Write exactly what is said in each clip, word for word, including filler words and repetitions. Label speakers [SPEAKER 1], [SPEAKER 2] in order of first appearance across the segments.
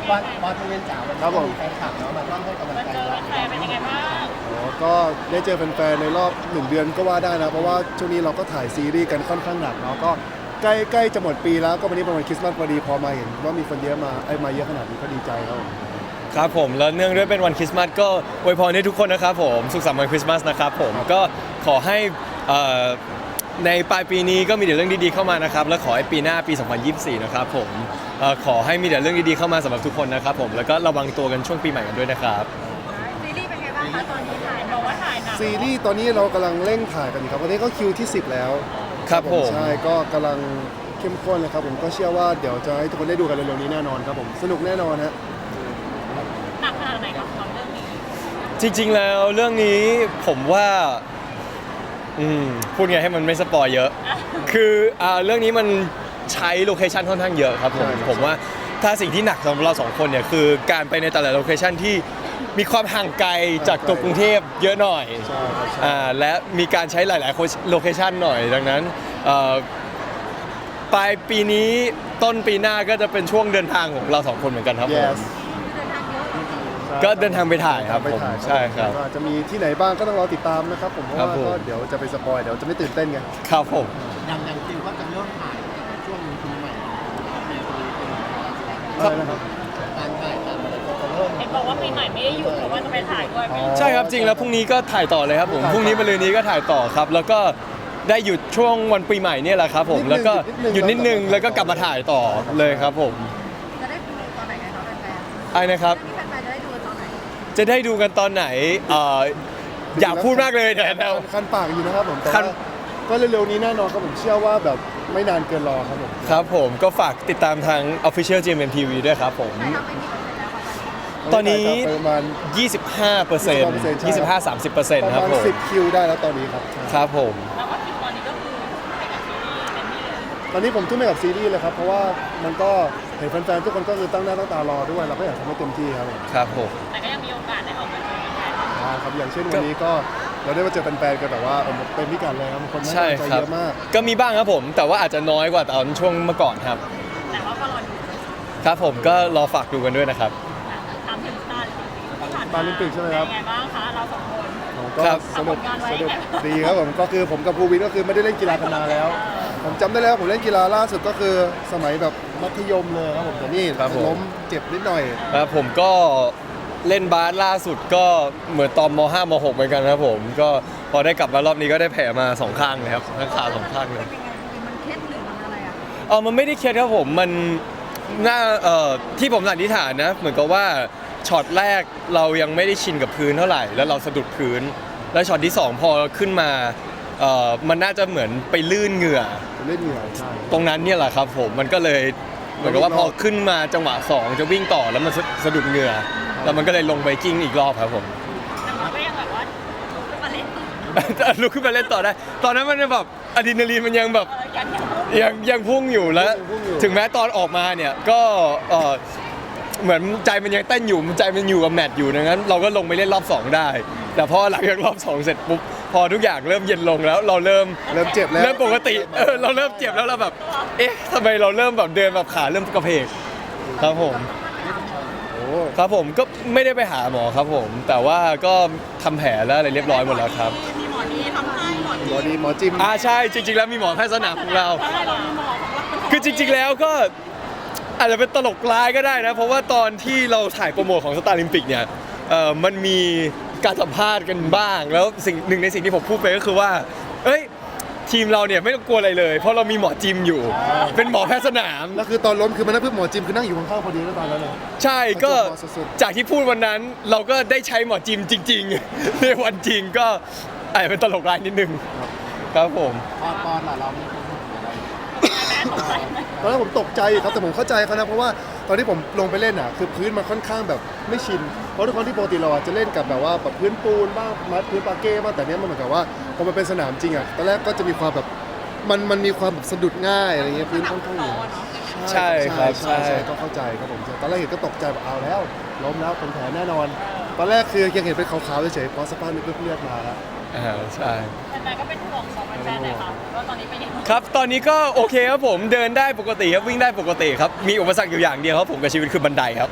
[SPEAKER 1] บอลบอลทเวนจ๋าวันนี้มีแฟนคลับเนาะมาร่วมให้กำลังใจเรา
[SPEAKER 2] แฟนเป็นยังไงบ้าง
[SPEAKER 3] อ๋อก็ได้เจอแฟนๆในรอบหนึ่งเดือนก็ว่าได้นะเพราะว่าช่วงนี้เราก็ถ่ายซีรีส์กันค่อนข้างหนักเนาะก็ใกล้ใกล้จะหมดปีแล้วก็วันนี้เป็นวันคริสต์มาสพอดีพอมาเห็นว่ามีคนเยอะมาไอ้มาเยอะขนาดนี้ก็ดีใจครับผม
[SPEAKER 4] ครับผมแล้วเนื่องด้วยเป็นวันคริสต์มาสก็อวยพรให้ทุกคนนะครับผมสุขสันต์วันคริสต์มาสนะครับผมก็ขอให้เอ่อในปลายปีนี้ก็มีแต่เรื่องดีๆเข้ามานะครับและขอให้ปีหน้าปี สองพันยี่สิบสี่ นะครับผมเอ่อขอให้มีแต่เรื่องดีๆเข้ามาสำหรับทุกคนนะครับผมแล้วก็ระวังตัวกันช่วงปีใหม่กันด้วยนะครับ
[SPEAKER 2] ซีรีส์เป็นไงบ้างคะตอนนี้ถ่ายบอกว่าถ่ายหนัก
[SPEAKER 3] ซีรีส์ตอนนี้เรากำลังเร่งถ่ายกันอยู่ครับวันนี้ก็คิวที่สิบแล้ว
[SPEAKER 4] ครับผม
[SPEAKER 3] ใช่ก็กำลังเข้มข้นเลยครับผมก็เชื่อว่าเดี๋ยวจะให้ทุกคนได้ดูกันเร็วๆนี้แน่นอนครับผมสนุกแน่นอนฮะ
[SPEAKER 2] หนักขนาดไหนกับความเรื่องนี้
[SPEAKER 4] จริงๆแล้วเรื่องนี้ผมว่าอืมพูดไงให้มันไม่สปอยเยอะ คืออ่าเรื่องนี้มันใช้โลเคชันค่อนข้างเยอะครับผม
[SPEAKER 3] ใช่ครับ
[SPEAKER 4] ผมว่าถ้าสิ่งที่หนักสำหรับเราสองคนเนี่ยคือการไปในแต่ละโลเคชันที่มีความห่างไกลจากตัวกรุงเทพเยอะหน่อย
[SPEAKER 3] ใช่ครับใช่
[SPEAKER 4] อ่าและมีการใช้หลายๆโลเคชันหน่อยดังนั้นเอ่อปลายปีนี้ต้นปีหน้าก็จะเป็นช่วงเดินทางของเราสองคนเหมือนกันครับผม
[SPEAKER 3] yes
[SPEAKER 4] ก็เดินทางไปถ่ายครับ
[SPEAKER 3] ไป
[SPEAKER 4] ผม
[SPEAKER 3] ถ่าย
[SPEAKER 4] ใช่ครับ
[SPEAKER 3] ก็จะมีที่ไหนบ้างก็ต้องรอติดตามนะครับผมเพราะ
[SPEAKER 4] ครับ
[SPEAKER 3] ว่า
[SPEAKER 4] ผม
[SPEAKER 3] ก็เดี๋ยวจะไปสปอยเดี๋ยวจะไม่ตื่นเต้นไง
[SPEAKER 4] ครับผม
[SPEAKER 1] ยังยังคิวว่าจะเริ่มถ่ายช่วงปีใหม่ในปีเป็น
[SPEAKER 3] อะไรนะครับ
[SPEAKER 1] การถ่ายทำอะไรก็จะเริ่ม
[SPEAKER 2] เห็นบอกว่าปีใหม่ไม่ได้หยุดแต่ว่าจะไปถ่ายด้วยไหม
[SPEAKER 4] ใช่ครับจริงแล้วพรุ่งนี้ก็ถ่ายต่อเลยครับผมพรุ่งนี้มะรืนนี้ก็ถ่ายต่อครับ แล้วก็ได้หยุดช่วงวันปีใหม่เนี่ยแหละครับผมแล้วก็หยุดนิดนึงแล้วก็กลับมาถ่ายต่อเลยครับผม
[SPEAKER 2] จะได้ดูตอนไหนกันคะแฟน
[SPEAKER 4] ไอ้นะครับ
[SPEAKER 2] ๆที่แฟนๆจะได้ดูตอนไหน
[SPEAKER 4] จะได้ดูกันตอนไหนเอ่ออยากพูดมากเลยแต่เรา
[SPEAKER 3] คันปากอยู่นะครับผมแต่
[SPEAKER 4] คั
[SPEAKER 3] ว่าน ก็เร็วๆนี้แน่นอนครับผมเชื่อว่าแบบไม่นานเกินรอครับผม
[SPEAKER 4] ครับผมก็ฝากติดตามทาง Official จี เอ็ม เอ็ม ที วี ด้วยครับผม
[SPEAKER 2] ถ่ายทำไปกี่เปอร์เซ็นต์แล้วคะ
[SPEAKER 4] ตอนนี้
[SPEAKER 3] ประมาณ
[SPEAKER 4] ยี่สิบห้าเปอร์เซ็นต์ ยี่สิบห้า สามสิบเปอร์เซ็นต์
[SPEAKER 3] ประ
[SPEAKER 4] ครับ
[SPEAKER 3] มาณ
[SPEAKER 4] ผม
[SPEAKER 3] สิบคิวได้แล้วตอนนี้ครับ
[SPEAKER 4] ครับผม
[SPEAKER 2] แล้วก็คิดตอนนี้ก็คือไปกับซีรีส์เต็มที่เลย
[SPEAKER 3] ตอนนี้ผมทุ่มให้กับซีรีส์เลยครับเพราะว่ามันก็เห็นแฟนๆทุกคนก็คือตั้งหน้าตั้งตารอด้วยเราก็อยากทำให้เต็มที่ครับผม
[SPEAKER 4] ครับผม
[SPEAKER 2] แต่ก็ยังมีโอกาสได้ออกมาเจอกันได้
[SPEAKER 3] อ่าครับอย่างเช่นวันนี้ก็เราได้มาเจอแฟนๆกันแบบว่าเออเต็มพิกัดเลยครับคนให้
[SPEAKER 4] ใช่
[SPEAKER 3] กำลังใจ
[SPEAKER 4] ครับ
[SPEAKER 3] เยอะมาก
[SPEAKER 4] ก็มีบ้างครับผม แต่ว่าอาจจะน้อยกว่าตอนช่วงเมื่อก่อนครับ
[SPEAKER 2] แต่ว่าก็รอดู
[SPEAKER 4] ครับผมก็รอฝากดูกันด้วยนะครับ
[SPEAKER 2] ถามถึงสตาร์ลิมปิกที่ผ่านมา
[SPEAKER 3] สตาร์ลิมปิกใช่ไหมครับ
[SPEAKER 2] เป็นไงบ้างคะเราสองคน
[SPEAKER 3] ผมก็
[SPEAKER 4] ครับ
[SPEAKER 3] สนุก
[SPEAKER 2] ทำผลงานไว้
[SPEAKER 3] สนุกดีครับผมก็คือผมกับภูวินก็คือไม่ได้เล่นกีฬากันนานแล้ว ผมจำได้แล้วผมเล่นกีฬาล่าสุดก็คือสมัยแบบมัธยมเลยครับผมแต่นี่
[SPEAKER 4] ครับผม
[SPEAKER 3] ล้มเจ็บนิดหน่อย
[SPEAKER 4] ครับผมก็เล่นบาสล่าสุดก็เหมือนตอนม ห้า ม หกเหมือนกันครับผมก็พอได้กลับมารอบนี้ก็ได้แผลมาสองข้างเลยครับทั้งขาสองข้างเลย
[SPEAKER 2] เป็นยังไงมันเคล็ดหรือมันอะไรอ่ะ
[SPEAKER 4] เออมันไม่ได้เครียดครับผมมันน่าเอ่อที่ผมสันนิษฐานนะเหมือนกับว่าช็อตแรกเรายังไม่ได้ชินกับพื้นเท่าไหร่ แล้วเราสะดุดพื้น แล้วช็อตที่สองพอขึ้นมาเอ่อมันน่าจะเหมือนไปลื่นเหงื่อ
[SPEAKER 3] ผมเล่นเหนื่อยใช่
[SPEAKER 4] ตรงนั้นเนี่ยแหละครับผมมันก็เลยเหมือนกับว่าพอขึ้นมาจังหวะสองจะวิ่งต่อแล้วมันสะสะดุดเหงื่อแล้วมันก็เลยลงไปกิ้งอีกรอบครับผม
[SPEAKER 2] แต่มันก็ยังแบบว่าลุกขึ้นมาเล่นต่อ
[SPEAKER 4] ลุกขึ้นมาเล่นต่อได้ ตอนนั้นมันแบบอะดรีนาลีนมันยังแบบ
[SPEAKER 2] เออยังยัง
[SPEAKER 4] ยังยังพุ่งอยู่แล้ว ถึงแม้ตอนออกมาเนี่ยก็เอ่อเหมือนใจมันยังเต้นอยู่ใจมันอยู่กับแมตช์อยู่ดังนั้นเราก็ลงไปเล่นรอบสองได้ แต่พอหลังจากรอบสองเสร็จปุ๊บพอทุกอย่างเริ่มเย็นลงแล้วเราเริ่ม
[SPEAKER 3] เริ่มเจ็บแล้ว
[SPEAKER 4] เริ่มปกติเออเราเริ่มเจ็บแล้วเราแบบ เอ๊ะทำไมเราเริ่มแบบเดินแบบขาเริ่มกระเพกครับผม
[SPEAKER 3] โอ้
[SPEAKER 4] ครับผมก็ไม่ได้ไปหาหมอครับผม แต่ว่าก็ทำแผลแล้วอะไรเรียบร้อยหมดแล้วครับ
[SPEAKER 2] มีหมอดีทำให้หมอ
[SPEAKER 3] ห
[SPEAKER 2] ดี
[SPEAKER 3] มอดีหมอจิม
[SPEAKER 4] อ่าใช่จริง ๆ แล้วมีหมอแพทย์สนามของเรา
[SPEAKER 2] ใช่เรามีหมอของเรา
[SPEAKER 4] คือจริง ๆ แล้วก็อาจจะเป็นตลกร้ายก็ได้นะ เพราะว่าตอนที่เราถ่ายโปรโมทของสตาร์ลิมปิกเนี่ยเออมันมีการสัมภาษณ์กันบ้าง แล้วสิ่งหนึ่งในสิ่งที่ผมพูดไปก็คือว่า เอ้ยทีมเราเนี่ยไม่ต้องกลัวอะไรเลย เพราะเรามีหมอจิมอยู่ เป็นหมอแพทย์สนาม
[SPEAKER 3] แล้วคือตอนล้มคือมันนั่งเพื่อหมอจิมคือนั่งอยู่ข้างๆพอดีแล้วตอนนั้นเลย
[SPEAKER 4] ใช่ก็
[SPEAKER 3] สุด
[SPEAKER 4] จากที่พูดวันนั้นเราก็ได้ใช้หมอจิมจริง ๆ ในวันจริงก็อาจจะเป็นตลกร้ายนิดนึงครับผม
[SPEAKER 1] ปอนปอนล่ะเรามีความรู้สึกอะไร
[SPEAKER 2] แม่ตกใจไหม
[SPEAKER 3] ตอนนั้นผมตกใจครับแต่ผมเข้าใจเขานะเพราะว่าตอนที่ผมลงไปเล่นอ่ะคือพื้นมันค่อนข้างแบบไม่ชินเพราะทุกคนที่ปกติเราอะจะเล่นกับแบบว่าแบบพื้นปูนบ้างไม้พื้นปาเก้บ้างแต่เนี้ยมันเหมือนกับว่าพอมันเป็นสนามจริงอ่ะตอนแรกก็จะมีความแบบมันมันมีความแบบสะดุดง่ายอะไรเงี้ยพื้นค่อนข้างเหนียว
[SPEAKER 4] ใช่ครับ
[SPEAKER 3] ใช่
[SPEAKER 4] ใช่
[SPEAKER 3] ใช่ก็เข้าใจครับผมตอนแรกเห็นก็ตกใจแบบเอาแล้วล้มแล้วเป็นแผลแน่นอน ตอนแรกคือยังเห็นเป็นขาวๆเฉยๆพอสักพักนึงก็เลือดมาแล้ว
[SPEAKER 4] อ่าใช่
[SPEAKER 2] แฟนๆก็เป็นห่วงของแฟนๆหน่อยค่ะว่าตอนนี้เป็นยังไง
[SPEAKER 4] ครับตอนนี้ก็โอเคครับผมเดินได้ปกติครับวิ่งได้ปกติครับมีอุปสรรคอยู่อย่างเดียวครับผมกับชีวิตคือบันไดครับ
[SPEAKER 3] อื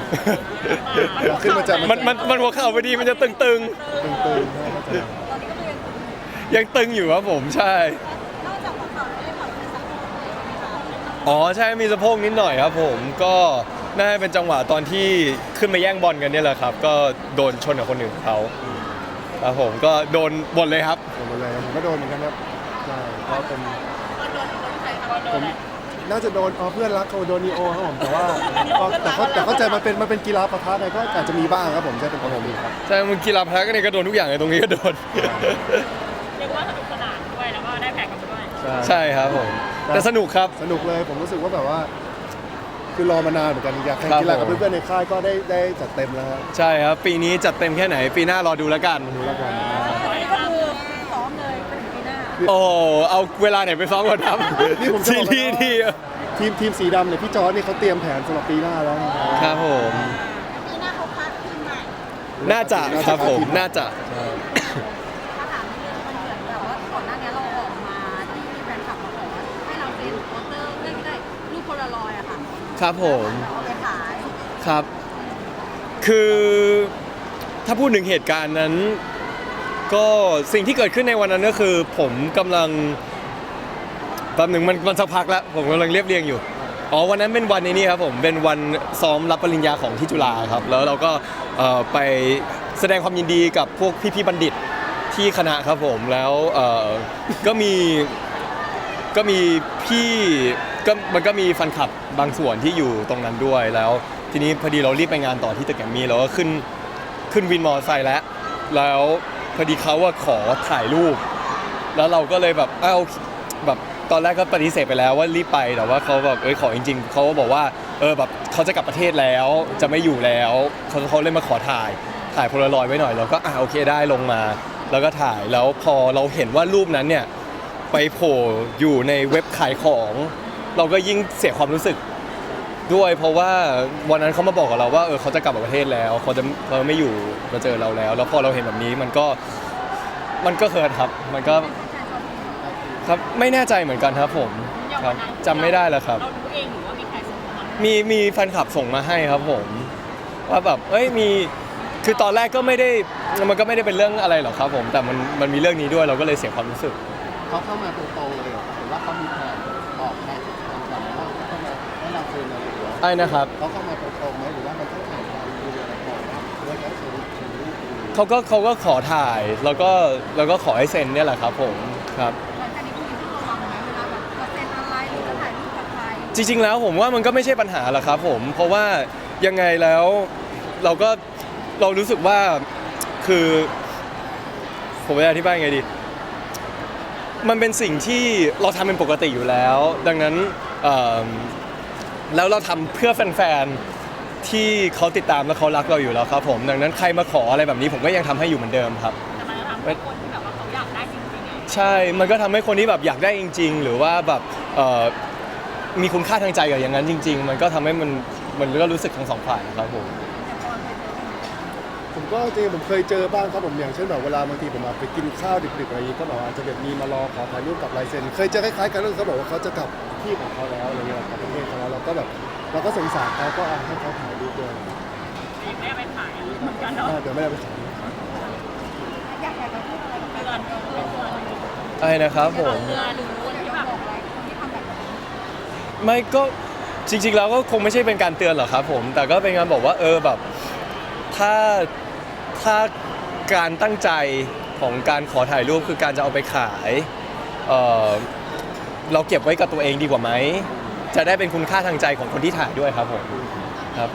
[SPEAKER 3] อยากขึ้นมาจาก
[SPEAKER 4] มันมันมันหัวเข่าพอดีมันจะตึง
[SPEAKER 3] ตึงๆนะเข้าใจ
[SPEAKER 2] ตอนนี้ก็คือยัง
[SPEAKER 4] ๆ ยังตึงอยู่ครับผมใช่
[SPEAKER 2] นอกจากหัวเข่าไม่ได้ผ่อนเป็นสักใช่ไหมคะ
[SPEAKER 4] อ๋อใช่มีสะโพกนิดหน่อยครับผมก็น่าจะเป็นจังหวะตอนที่ขึ้นมาแย่งบอลกันเนี่ยแหละครับ ก็โดนชนกับคนอื่นเขาครับผมก็โดนบนเลยครับ
[SPEAKER 3] โดนหมดเลยผมก็โดนเหมือนกันครับใช่เพราะเป็น
[SPEAKER 2] โดนโดนใครคะโด
[SPEAKER 3] ผ
[SPEAKER 2] น
[SPEAKER 3] มน่าจะโดนอ๋อเพื่อนรักเขาโดนนีโอครับผมแต่ว่าก็แต่เขาแต่เข้าใจมันเป็นมันเป็นกีฬาปะทะไงก็อาจจะมีบ้างครับผมใช่เป็นปกติครับ
[SPEAKER 4] ใช่มึงกีฬาพละก็เนี่ยก็โดนทุกอย่างเลยตรงนี้ก็โดน
[SPEAKER 2] เรียกว่าสนุกสนานด้วยแล้วก็ได้แพ้กันด้วย
[SPEAKER 4] ใช่ครับผมแต่สนุกครับ
[SPEAKER 3] สนุกเลยผมรู้สึกว่าแบบว่า คือรอมานานเหมือนกันอยากแข่ง
[SPEAKER 4] ครับ
[SPEAKER 3] กีฬากับ
[SPEAKER 4] ผม
[SPEAKER 3] เพื่อนๆในค่ายก็ได้ได้จัดเต็มแล้วครับ
[SPEAKER 4] ใช่ครับ ปีนี้จัดเต็มแค่ไหน ปีหน้ารอดูแล้วกัน
[SPEAKER 3] ดูแล้วกัน
[SPEAKER 2] อันนี้ก็คือซ้อมเลยไปถึงปีหน้า
[SPEAKER 4] โอ้เอาเวลาไหนไปซ้อมก่อนครับ
[SPEAKER 3] นี่ผมจะ
[SPEAKER 4] ซี
[SPEAKER 3] บอก
[SPEAKER 4] รีส์ที่
[SPEAKER 3] ทีมทีมสีดำเนี่ยพี่จอร์ดนี่เขาเตรียมแผนสำหรับปีหน้าแล้ว
[SPEAKER 4] ครับผม
[SPEAKER 2] ปีหน้าเขาคัดทีมใหม่
[SPEAKER 4] น่าจะครับผมน่าจะ
[SPEAKER 3] ใช่
[SPEAKER 2] ถ้าถามเรื่องมันเหมือนแบบว่าก่อนหน้านี้เราออกมาที่มีแฟนคลับมาขอให้เราเซ็นโปสเตอร์เรื่องไม่ได้รูปโพลารอยด์อะค่ะ
[SPEAKER 4] ครับผม
[SPEAKER 2] เอาไปขาย
[SPEAKER 4] ครับ คือถ้าพูดถึงเหตุการณ์นั้น ก็สิ่งที่เกิดขึ้นในวันนั้นก็คือ ผมกำลังแป๊บหนึ่งมันมันสักพักแล้ว ผมกำลังเรียบเรียงอยู่ อ๋อวันนั้นเป็นวันในนี้ครับผมเป็นวันซ้อมรับปริญญาของที่จุฬาครับ แล้วเราก็เอ่อไปแสดงความยินดีกับพวกพี่ๆบัณฑิตที่คณะครับผมแล้วเอ่อก็มีก็มีพี่ก็มันก็มีแฟนคลับบางส่วนที่อยู่ตรงนั้นด้วยแล้ว ทีนี้พอดีเรารีบไปงานต่อที่ตึกแกรมมี่เราก็ขึ้นขึ้นวินมอเตอร์ไซค์แล้ว แล้วพอดีเขาว่าขอถ่ายรูป แล้วเราก็เลยแบบอ้าวแบบตอนแรกก็ปฏิเสธไปแล้วว่ารีบไปแต่ว่าเขาแบบเอ้ยขอจริงๆเขาก็บอกว่าเออแบบเขาจะกลับประเทศแล้วจะไม่อยู่แล้วเขาเขาเลยมาขอถ่ายถ่ายโพลารอยด์ไว้หน่อยเราก็อ่าโอเคได้ลงมา แล้วก็ถ่ายแล้วพอเราเห็นว่ารูปนั้นเนี่ยไปโผล่อยู่ในเว็บขายของ เราก็ยิ่งเสียความรู้สึกด้วย เพราะว่าวันนั้นเขามาบอกกับเราว่าเออเขาจะกลับประเทศแล้วเขาจะเขาไม่อยู่มาเจอเราแล้ว แล้วพอเราเห็นแบบนี้มันก็มันก็เคิร์ดครับมันก็ครับไม่แน่ใจเหมือนกันครับผมครับจำไม่ได้แล้วครับ
[SPEAKER 2] เราดูเองหรือว่ามีใครส่งมา
[SPEAKER 4] มีมีแฟนคลับส่งมาให้ครับผม ว่าแบบเอ้ยมีคือตอนแรกก็ไม่ได้มันก็ไม่ได้เป็นเรื่องอะไรหรอกครับผมแต่มันมันมีเรื่องนี้ด้วยเราก็เลยเสียความรู้สึก
[SPEAKER 1] เขาเข้ามาตรงๆเลยเหรอหรือว่าเขามีแผนบอกแผนทางการว่าเขาเข้ามาให้เราเซ็นอะไรหรือว่า
[SPEAKER 4] ไอ้นะครับ
[SPEAKER 1] เขาเข้ามาตรงๆไหมหรือว่ามันต้องผ่านการดูอะไรก่อนหรือว่าเขาเซ็นเซ็นรูปดู
[SPEAKER 4] เขาก็เขาก็ขอถ่ายแล้วก็แล้วก็ขอให้เซ็นเนี่ยแหละครับผมครับ
[SPEAKER 2] หลังจากนี้คุณมีต้องระวังไหมเวลาแบบจะเซ็นอะไรหรือจะถ่ายรูปกับใคร
[SPEAKER 4] จริงๆแล้วผมว่ามันก็ไม่ใช่ปัญหาหรอกครับผมเพราะว่ายังไงแล้วเราก็เรารู้สึกว่าคือผมจะอธิบายยังไงดีมันเป็นสิ่งที่เราทำเป็นปกติอยู่แล้ว ดังนั้นเอ่อแล้วเราทำเพื่อแฟนๆที่เขาติดตามและเขารักเราอยู่แล้วครับผมดังนั้นใครมาขออะไรแบบนี้ผมก็ยังทำให้อยู่เหมือนเดิมครับ
[SPEAKER 2] แต่มันจะทำให้คนที่แบบว่าเขาอยากได้จริงๆไง
[SPEAKER 4] ใช่ มันก็ทำให้คนที่แบบอยากได้จริง ๆ หรือว่าแบบเอ่อมีคุณค่าทางใจกับอย่างนั้นจริง ๆ มันก็ทำให้มันมันก็รู้สึกทั้งสองฝ่ายครับผม
[SPEAKER 3] ผมก็จริงๆผมเคยเจอบ้างครับผมอย่างเช่นแบบเวลาบางทีผมมาไปกินข้าวดึกๆอะไรอย่างนี้ก็แบบว่าอาจจะแบบมีมารอขอถ่ายรูปกับลายเซ็นเคยเจอคล้ายๆกันเรื่องเขาบอกว่าเขาจะกลับที่ของเขาแล้วอะไรเงี้ยกลับประเทศเขาแล้วเราก็แบบเราก็สงสารเขาก็เอาให้เขาถ่ายรูปด้วย
[SPEAKER 2] ยังไม่ได้ไปถ่ายเหมือนกันเนาะ
[SPEAKER 3] อ่าเดี๋ยวไม่ได้ไปถ่าย
[SPEAKER 2] อยากอยากจะพูดอะไรกับเพื่อนเพื่อนเพื่อน
[SPEAKER 4] ไอ้นะครับผม
[SPEAKER 2] เพื่อนหรือคนที่แบบบอกอะไรคนที่ทำแบบนี้
[SPEAKER 4] ไม่ก็จริง ๆ แล้วก็คงไม่ใช่เป็นการเตือนหรอกครับผม แต่ก็เป็นการบอกว่าเออแบบถ้าถ้าการตั้งใจของการขอถ่ายรูปคือการจะเอาไปขายเออเราเก็บไว้กับตัวเองดีกว่าไหมจะได้เป็นคุณค่าทางใจของคนที่ถ่ายด้วยครับผมครับผม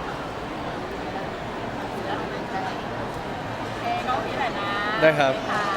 [SPEAKER 2] เอ้น้องพี่แหละนะ
[SPEAKER 4] ได้ครับ
[SPEAKER 2] ค่ะ